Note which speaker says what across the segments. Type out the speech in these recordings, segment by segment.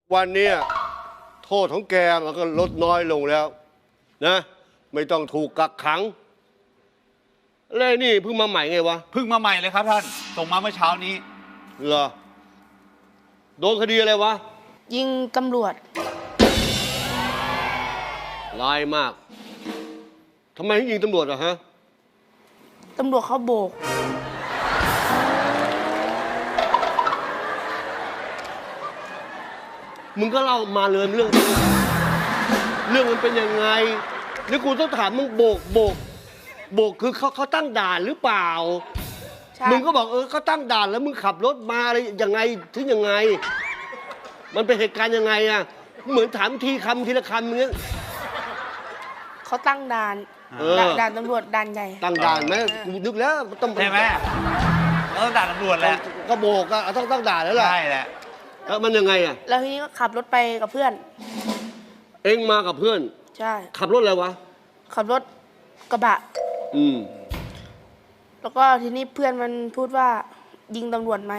Speaker 1: วันนี้โทษของแกมันก็ลดน้อยลงแล้วนะไม่ต้องถูกกักขังแล้วนี่เพิ่งมาใหม่ไงวะ
Speaker 2: เพิ่งมาใหม่เลยครับท่านส่งมาเมื่อเช้านี้
Speaker 1: เหรอโดนคดีอะไรวะ
Speaker 3: ยิงตำรวจ
Speaker 1: ร้ายมากทำไมถึงยิงตำรวจอะฮะ
Speaker 3: ตำรวจเขาโบก
Speaker 1: มึงก็เล่ามาเลยเรื่องมันเป็นยังไงนี่กูต้องถามมึงโบกคือเขาตั้งด่านหรือเปล่ามึงก็บอกเขาตั้งด่านแล้วมึงขับรถมาอะไรยังไงถึงยังไงมันเป็นเหตุการณ์ยังไงอะเหมือนถามทีละคำอย่างเงี้ย
Speaker 3: เขาตั้งด่านด่านตำรวจด่านใหญ่
Speaker 1: ตั้งด่านไหมกูนึกแล้วต้อง
Speaker 2: ใช่ไหมต้องด่านตำรวจแหละ
Speaker 1: ก็โบกอะต้องตั้งด่านแล้วแหละ
Speaker 2: ใช่แหละ
Speaker 1: แล้วมันยังไงอะ
Speaker 3: แล้วทีนี้ก็ขับรถไปกับเพื่อน
Speaker 1: เอ็งมากับเพื่อน
Speaker 3: ใช่
Speaker 1: ขับรถอะไรวะ
Speaker 3: ขับรถกระบะแล้วก็ทีนี้เพื่อนมันพูดว่ายิงตำรวจไหม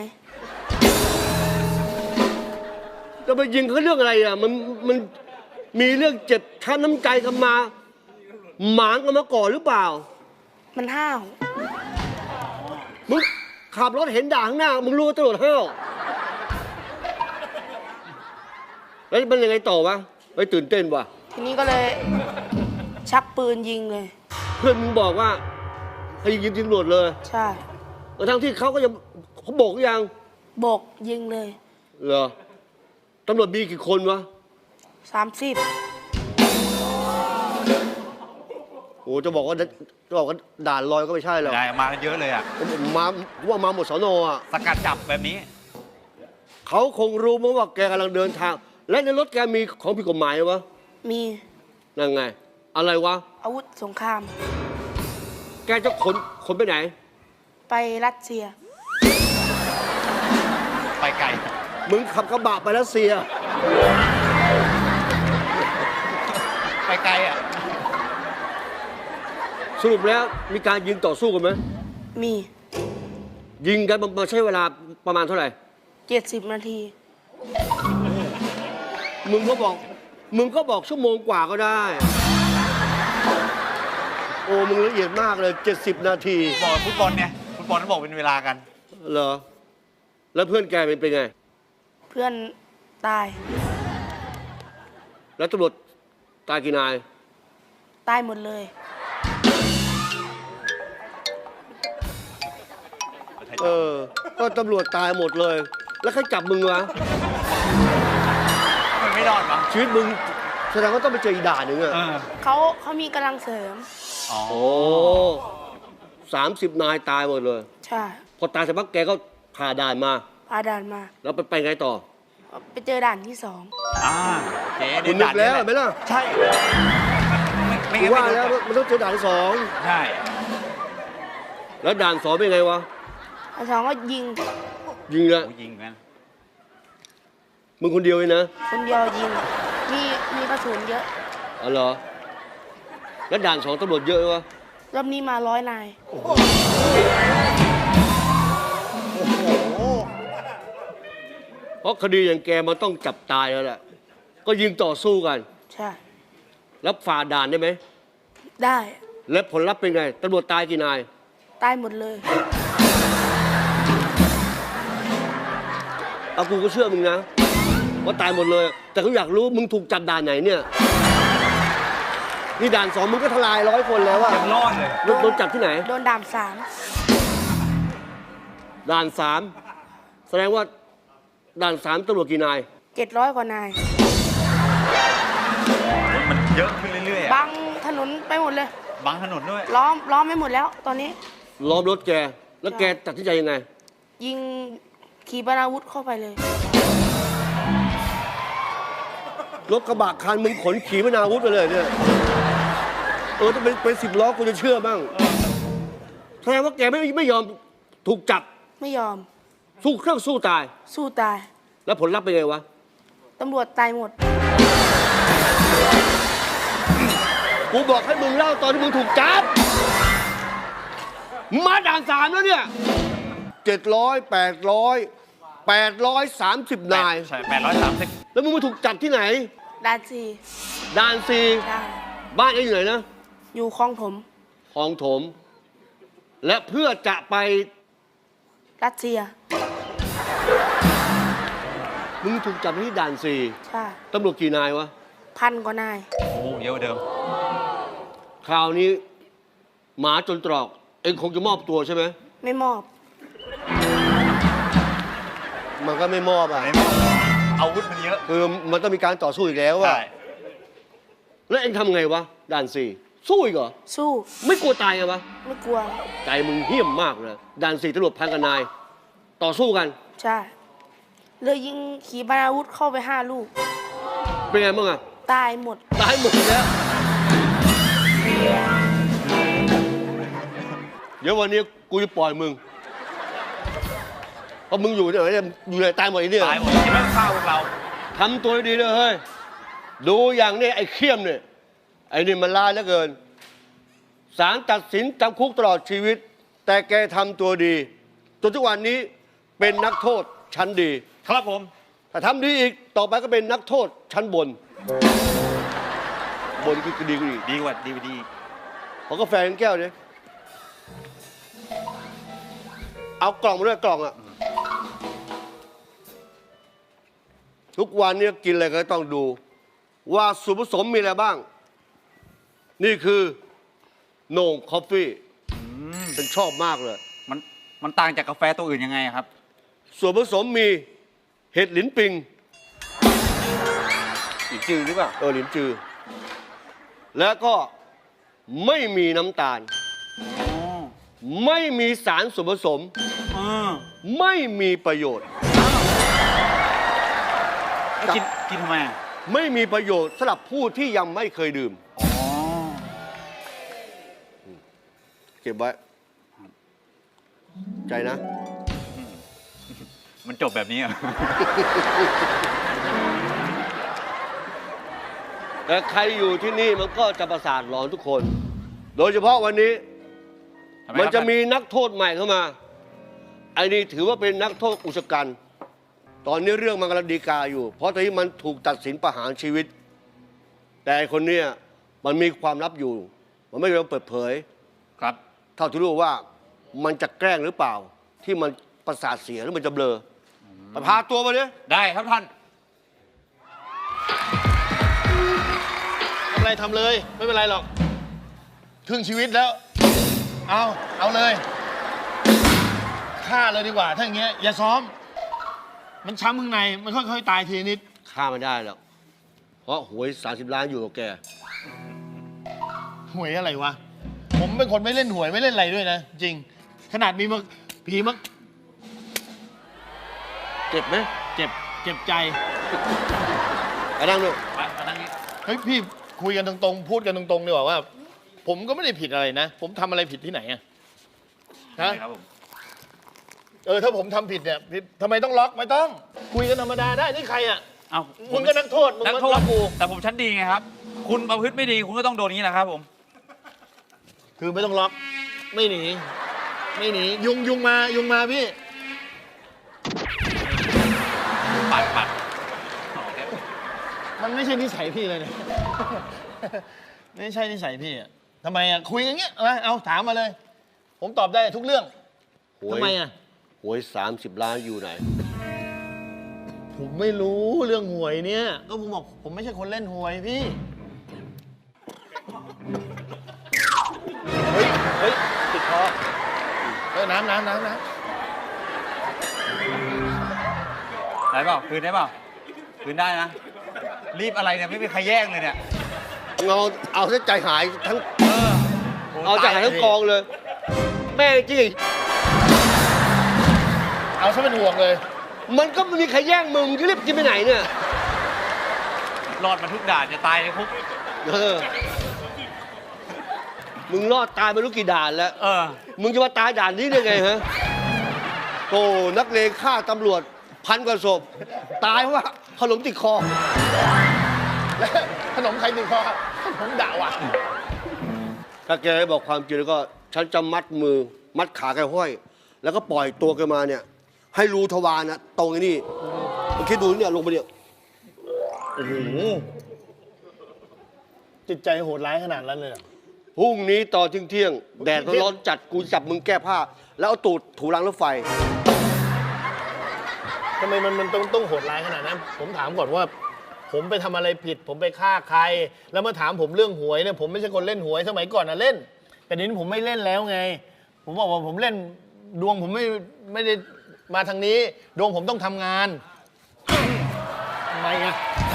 Speaker 1: จะไปยิงเขาเรื่องอะไรอ่ะมันมีเรื่องเจ็บช้ำน้ำใจกันมาหมางกันมาก่อนหรือเปล่า
Speaker 3: มันห้าว
Speaker 1: มึงขับรถเห็นด่าข้างหน้ามึงรู้ว่าตำรวจห้าวแล้วมันยังไงต่อวะไปตื่นเต้นวะ
Speaker 3: ทีนี้ก็เลยชักปืนยิงเลย
Speaker 1: เพื่อนมึงบอกว่าให้ยิงตำรวจเลย
Speaker 3: ใช่
Speaker 1: ทั้งที่เขาก็ยังเขาโบกยัง
Speaker 3: โบกยิงเลย
Speaker 1: เหรอตำรวจมีกี่คนวะ
Speaker 3: 30
Speaker 1: โอ้จะบอกว่าด่านลอยก็ไม่ใช่หรอก
Speaker 2: ได้มากันเยอะเลยอ่ะ
Speaker 1: มาหมดสนอ่ะ
Speaker 2: สกัดจับแบบนี้
Speaker 1: เขาคงรู้มั้งว่าแกกำลังเดินทางและในรถแกมีของผิดกฎหมายวะ
Speaker 3: มี
Speaker 1: นั่นไงอะไรวะ
Speaker 3: อาวุธสงคราม
Speaker 1: แกจะขนไปไหน
Speaker 3: ไปรัสเซีย
Speaker 2: ไปไกล
Speaker 1: มึงขับกระบะไปรัสเซีย
Speaker 2: ไปไกลอ่ะ
Speaker 1: สรุปแล้วมีการยิงต่อสู้กันไหม
Speaker 3: มี
Speaker 1: ยิงกันมาใช้เวลาประมาณเท่าไหร่
Speaker 3: 70 นาที
Speaker 1: มึงก็บอกชั่วโมงกว่าก็ได้โอ้มึงละเอียดมากเลย70 นาที
Speaker 2: บอกฟุตบอลเนี่ยฟุตบอลต้องบอกเป็นเวลากัน
Speaker 1: เหรอแล้วเพื่อนแกเป็นไง
Speaker 3: เพื่อนตาย
Speaker 1: แล้วตำรวจตายกี่นาย
Speaker 3: ตายหมดเลย
Speaker 1: ก็ตำรวจตายหมดเลยแล้วใครจับมึงวะ
Speaker 2: มันไม่รอดวะ
Speaker 1: ชีวิตมึงแสดงว่าต้องไปเจออีกด่านหนึ่งอะ
Speaker 3: เขามีกำลังเสริม
Speaker 1: โอ้30 นายตายหมดเลย
Speaker 3: ใช่
Speaker 1: พอตายเสร็จปั๊บแกก็ผ่าด่านมาแล้วไปไงต่อ
Speaker 3: ไปเจอด่านที่2
Speaker 1: คุณนึกแล้วไหมล่ะ
Speaker 2: ใช่
Speaker 1: ไม่ว่าแล้วมันต้องเจอด่านที่2
Speaker 2: ใช่
Speaker 1: แล้วด่าน2เป็นไงวะ
Speaker 3: ด่าน2ก็ยิง
Speaker 1: แล้ว
Speaker 2: ยิงกัน
Speaker 1: มึงคนเดียวเลยนะ
Speaker 3: คนเดียวยิงมีกระสุนเยอะ
Speaker 1: อ๋อเหรอแล้วด่าน2ตำรวจเยอะวะ
Speaker 3: รอบนี้มา100 นาย
Speaker 1: เพราะคดีอย่างแกมันต้องจับตายแล้วแหละก็ยิงต่อสู้กัน
Speaker 3: ใช่
Speaker 1: แล้วฝ่าด่านได้ไหม
Speaker 3: ได้
Speaker 1: แล้วผลลัพธ์เป็นไงตำรวจตายกี่นาย
Speaker 3: ตายหมดเลย
Speaker 1: เอากูก็เชื่อมึงนะว่าตายหมดเลยแต่เขาอยากรู้มึงถูกจับด่านไหนเนี่ยนี่ด่าน2มึงก็ทลาย100 คนแล้วอะ
Speaker 2: ยังรอดเลย
Speaker 1: โดนจับที่ไหน
Speaker 3: โดนด่าน
Speaker 1: 3แสดงว่าด่าน3ตำรวจกี่นาย
Speaker 3: 700 กว่านาย
Speaker 2: มันเยอะขึ้นเรื่อย
Speaker 3: ๆบังถนนไปหมดเลย
Speaker 2: บังถนนด้วย
Speaker 3: ล้อมไม่หมดแล้วตอนนี้
Speaker 1: ล้อมรถแกแล้วแกตัดสินใจยังไง
Speaker 3: ยิงขี่ปนาวุธเข้าไปเลย
Speaker 1: รถกระบะคันมึงขนขี่ปนาวุธไปเลยเนี่ยถ้าเป็น10 ล้อกูจะเชื่อบ้างแสดงว่าแกไม่ยอมถูกจับ
Speaker 3: ไม่ยอม
Speaker 1: สู้ตายแล้วผลลัพธ์เป็นไงวะ
Speaker 3: ตำรวจตายหมด
Speaker 1: กูบอกให้มึงเล่าตอนที่มึงถูกจับมาด่าน3แล้วเนี่ย700 800 830 นาย
Speaker 2: ใช่830
Speaker 1: แล้วมึงมาถูกจับที่ไหน
Speaker 3: ด่านสี่
Speaker 1: ด่านซี
Speaker 3: ใช่
Speaker 1: บ้านเองอยู่ไหนนะ
Speaker 3: อยู่คลองถม
Speaker 1: คลองถม และเพื่อจะไป
Speaker 3: รัสเซีย
Speaker 1: มึงถูกจับที่ด่านซี
Speaker 3: ใช่
Speaker 1: ตำรวจกี่นายวะ
Speaker 3: 1,000 กว่านาย
Speaker 2: โอ้เยอะกว่าเดิม
Speaker 1: คราวนี้หมาจนตรอก เองคงจะมอบตัวใช่ไหม
Speaker 3: ไม่มอบ
Speaker 1: มันก็ไม่มอบอ่ะ
Speaker 2: อาวุธมันเยอะ
Speaker 1: คือมันต้องมีการต่อสู้อีกแล้วอ่ะ
Speaker 2: ใช่
Speaker 1: แล้วเองทำไงวะด่านซีสู้อีกเหรอ
Speaker 3: สู้
Speaker 1: ไม่กลัวตายไงวะ
Speaker 3: ไม่กลัว
Speaker 1: ใจมึงเหี้ยมมากเลยด่านซีตำรวจพันกันนาย ต่อสู้กัน
Speaker 3: ใช่เลยยิงขีปนาวุธเข้าไป5 ลูก
Speaker 1: เป็นไงบ้างอ่ะ
Speaker 3: ตายหมด
Speaker 1: ตายหมดแล้ว เดี๋ยววันนี้กูจะปล่อยมึง เพราะมึงอยู่เนี่ยอยู่ในตายหมดไอ้เนี่ย
Speaker 2: ตายหมดที่ไม่ฆ่าพวกเรา
Speaker 1: ทำตัวดีๆเลยเฮ้ย ดูอย่างนี้ไอ้เขี้ยมเนี่ย ไอ้นี่มันร้ายเหลือเกิน ศาลตัดสินจำคุกตลอดชีวิต แต่แกทำตัวดี จนทุกวันนี้เป็นนักโทษชั้นดี
Speaker 2: ครับผม
Speaker 1: ถ้าทำดีอีก ต่อไปก็เป็นนักโทษชั้นบน บนคือดีกว่าอีก
Speaker 2: ดีกว่าดีดี
Speaker 1: ขอกาแฟแก้วดิเอากล่องมาด้วยกล่องอะทุกวันนี้กินอะไรก็ต้องดู ว่าส่วนผสมมีอะไรบ้าง นี่คือโหน่งคอฟฟี่ฉันชอบมากเลย
Speaker 2: มันต่างจากกาแฟตัวอื่นยังไงครับ
Speaker 1: ส่วนผสมมีเห็ดหลินปิงอีกจือหรือเปล่าหลินจือ แล้วก็ไม่มีน้ำตาล ไม่มีสารส่วนผสม ไม่มีประโยชน์
Speaker 2: กินทำไมอ่ะ
Speaker 1: ไม่มีประโยชน์สำหรับผู้ที่ยังไม่เคยดื่ม
Speaker 2: อ๋อ
Speaker 1: เก็บไว้ ใจนะ
Speaker 2: มันจบแบบนี้อ่ะ
Speaker 1: แต่ใครอยู่ที่นี่มันก็จะประสาทหลอนทุกคน โดยเฉพาะวันนี้
Speaker 2: ทำไม
Speaker 1: มัน
Speaker 2: ครับ
Speaker 1: จะมีนักโทษใหม่เข้ามาไอ้นี่ถือว่าเป็นนักโทษอุกชะกัน ตอนนี้เรื่องมันกำลังฎีกาอยู่ เพราะตอนนี้มันถูกตัดสินประหารชีวิต แต่ไอ้คนเนี้ยมันมีความลับอยู่ มันไม่ยอมเปิดเผย
Speaker 2: ครับ
Speaker 1: เท่าที่รู้ว่ามันจะแกล้งหรือเปล่า ที่มันประสาทเสียหรือมันจะเบลอไปพาตัวมาดิ
Speaker 2: ได้ครับท่าน
Speaker 4: ทำอะไรทำเลย ไม่เป็นไรหรอกครึ่งชีวิตแล้ว เอาเลยฆ่าเลยดีกว่า ถ้าอย่างเงี้ยอย่าซ้อม มันช้ำข้างในมันค่อยๆตายทีนิด
Speaker 1: ฆ่ามันได้แล้วเพราะหวย30 ล้านอยู่กับแก
Speaker 4: หวยอะไรวะ ผมเป็นคนไม่เล่นหวยไม่เล่นอะไรด้วยนะ จริง ขนาดมีมาผีมา
Speaker 1: เจ็บไหม
Speaker 4: เจ็บใจ
Speaker 1: ไปนั่งด้วย
Speaker 2: มานั่งนี้
Speaker 4: เฮ้ยพี่คุยกันตรงๆ พูดกันตรงๆดีกว่าว่า ผมก็ไม่ได้ผิดอะไรนะ ผมทำอะไรผิดที่ไหนอะฮะ
Speaker 2: ครับผม
Speaker 4: ถ้าผมทำผิดเนี่ยผิดทำไมต้องล็อกไม่ต้อง คุยกันธรรมดาได้นี่ใครอะ
Speaker 2: เอ้า
Speaker 4: มึงก็นักโทษมึง
Speaker 2: นัก
Speaker 4: มา
Speaker 2: โทษ
Speaker 4: ล็อกกู
Speaker 2: แต่ผมชั้นดีไงครับ คุณประพฤติไม่ดีคุณก็ต้องโดนอย่างนี้แหละครับผม
Speaker 4: คือไม่ต้องล็อก ไม่หนีไม่หนียุงมาพี่
Speaker 2: ปัด
Speaker 4: มันไม่ใช่นิสัยพี่เลยเนี่ย ไม่ใช่นิสัยพี่อะทำไมอะคุยอย่างเงี้ยเอาถามมาเลย ผมตอบได้ทุกเรื่อง
Speaker 1: หวย
Speaker 4: ทำไมอะ
Speaker 1: หวย30 ล้านอยู่ไหน
Speaker 4: ผมไม่รู้เรื่องหวยเนี่ย ก็ผมบอกผมไม่ใช่คนเล่นหวยพี่ เฮ้ยติดคอน้ำ
Speaker 2: ได้เปล่าคืนได้เปล่าคืนได้นะ รีบอะไรเนี่ยไม่มีใครแย่งเลยเนี่ย
Speaker 1: เอาซะใจหายทั้ง
Speaker 2: โ
Speaker 1: เอาใจหายทั้งกองเลย แม่จริง
Speaker 4: เอาซะเป็นห่วงเลย
Speaker 1: มันก็ไม่มีใครแย่งมึงจะรีบกินไปไหนเนี่ย
Speaker 2: รอดมาทุกด่านจะตายในคุก
Speaker 1: มึงรอดตายไม่รู้กี่ด่านแล้ว มึงจะมาตายด่านนี้ได้ไงฮะโอ้นักเลงฆ่าตำรวจ1,000 กว่าศพ ตายเพราะว่าขนมติดคอ
Speaker 4: แล้วขนมใครติดคอขนมด่าว่ะ
Speaker 1: ถ้าแกบอกความจริงแล้วก็ฉันจะมัดมือ มัดขาแกห้อย แล้วก็ปล่อยตัวแกมาเนี่ยให้รูทวารนะตรงไอ้นี่มึงคิดดูเนี่ยลงไปเนี่ย
Speaker 4: โอ้โหจิตใจโหดร้ายขนาดนั้นเลยเหรอ
Speaker 1: พรุ่งนี้ตอนเที่ยงๆแดดร้อนจัดกูจับมึงแก้ผ้า แล้วเอาตูดถูรางรถไฟ
Speaker 4: ทำไมมันต้องโหดร้ายขนาดนั้น ผมถามก่อนว่า ผมไปทำอะไรผิด ผมไปฆ่าใคร แล้วมาถามผมเรื่องหวยเนี่ยผมไม่ใช่คนเล่นหวยสมัยก่อนนะเล่น แต่เดี๋ยวนี้ผมไม่เล่นแล้วไง ผมบอกว่าผมเล่นดวงผมไม่ได้มาทางนี้ ดวงผมต้องทำงานทำไมอะ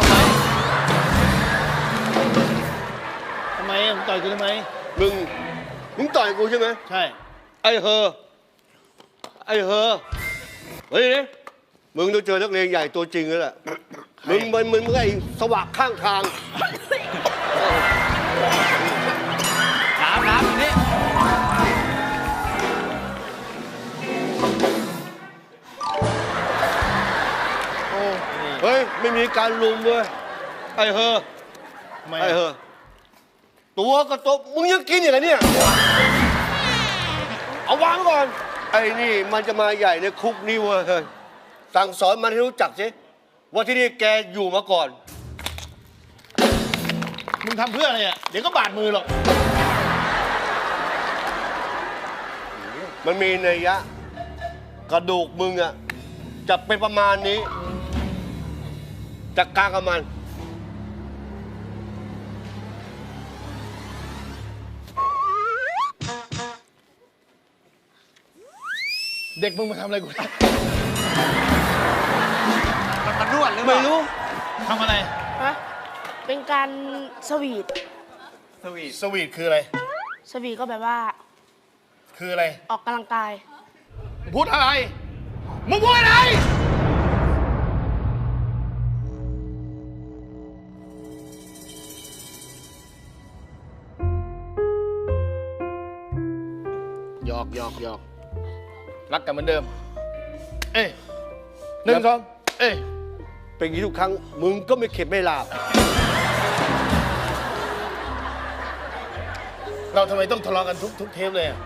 Speaker 4: ทำไมอะต่อยกูทำไม
Speaker 1: มึงต่อยกูใช่ไหม
Speaker 4: ใช่
Speaker 1: ไอ้เฮอเฮ้ยเนี่ยมึงต้องเจอนักเลงใหญ่ตัวจริงแล้วแหละมึงไอ้สวะข้างทาง
Speaker 2: น้ำอยู่นี่
Speaker 4: โอ้นี่
Speaker 1: เฮ้ยไม่มีการลุมเว้ยไอ้เฮอ
Speaker 4: ทำไม
Speaker 1: ไอ้
Speaker 4: อะ
Speaker 1: เฮอตัวก็โตมึงยังกินอย่างไรเนี่ยเอาวางก่อนไอ้นี่มันจะมาใหญ่ในคุกนี่เว้ยเฮ้ยสั่งสอนมันให้รู้จักสิว่าที่นี่แกอยู่มาก่อน
Speaker 4: มึงทำเพื่ออะไรอ่ะ เดี๋ยวก็บาดมือหรอก
Speaker 1: มันมีนัยยะ กระดูกมึงอะจะเป็นประมาณนี้จัดการกับมัน
Speaker 4: เด็กมึงมาทำอะไรกู
Speaker 2: มันนวดหรือเป
Speaker 1: ไม่
Speaker 2: ล่า
Speaker 1: รู้
Speaker 4: ทำอะไร
Speaker 3: ฮะเป็นการสวีท
Speaker 2: สวีท
Speaker 4: สวีทคืออะไร
Speaker 3: สวีทก็แบบว่า
Speaker 4: คืออะไร
Speaker 3: ออกกำลังกาย
Speaker 4: พูดอะไร มึงพูดอะไร หยอก รักกันเหมือนเดิม เอ้ยหนึ่งสองเอ้ย
Speaker 1: เป็นอย่างนี้ทุกครั้ง มึงก็ไม่เข็ดไม่หลาบ
Speaker 4: เราทำไมต้องทะเลาะกันทุกเทปเลยอะ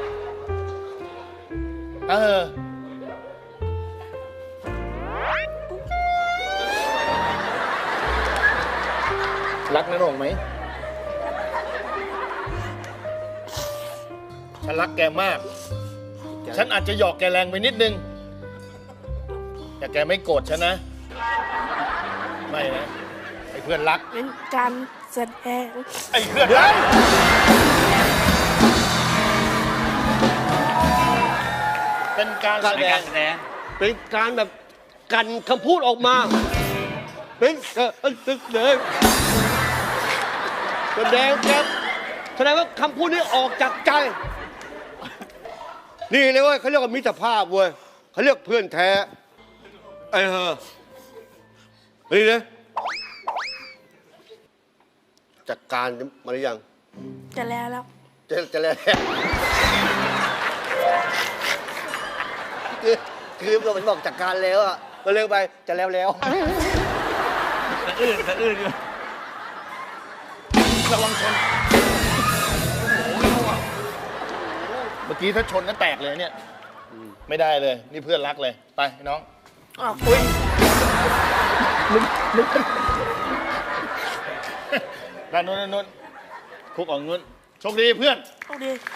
Speaker 4: รักน้าหน่งไหม ฉันรักแกมาก ฉันอาจจะหยอกแกแรงไปนิดนึง แต่แกไม่โกรธฉันนะ ไม่นะ ไอ้เพื่อนรัก
Speaker 3: เป็นการแสดง
Speaker 4: ไอ้เพื่อนรัก เป็นการแส
Speaker 2: ใน
Speaker 4: ด
Speaker 2: กาง รแสดง
Speaker 1: เป็นการแบบกันคำพูดออกมา เป็นแสดงครับแสดงว่าคำพูดนี้ออกจากใจ นี่เลยเว้ยเขาเรียกว่ามิตรภาพเว้ยเขาเรียกเพื่อนแท้ ไอ้เฮอนี่เลยจัดการมาหรือยัง
Speaker 3: จะแล้ว
Speaker 1: จะแล้วคือเราบอกจัดการแล้วอ่ะก็เร็วไปจะแล้ว
Speaker 2: สะอื้นอยู่
Speaker 4: ระวังชน เมื่อกี้ถ้าชนก็แตกเลยเนี่ย ไม่ได้เลย นี่เพื่อนรักเลย ไปน้อง
Speaker 3: ออก
Speaker 4: อุ้ยด้านนู้นคุกออกนู้นโชคดีเพื่อน
Speaker 3: โอเค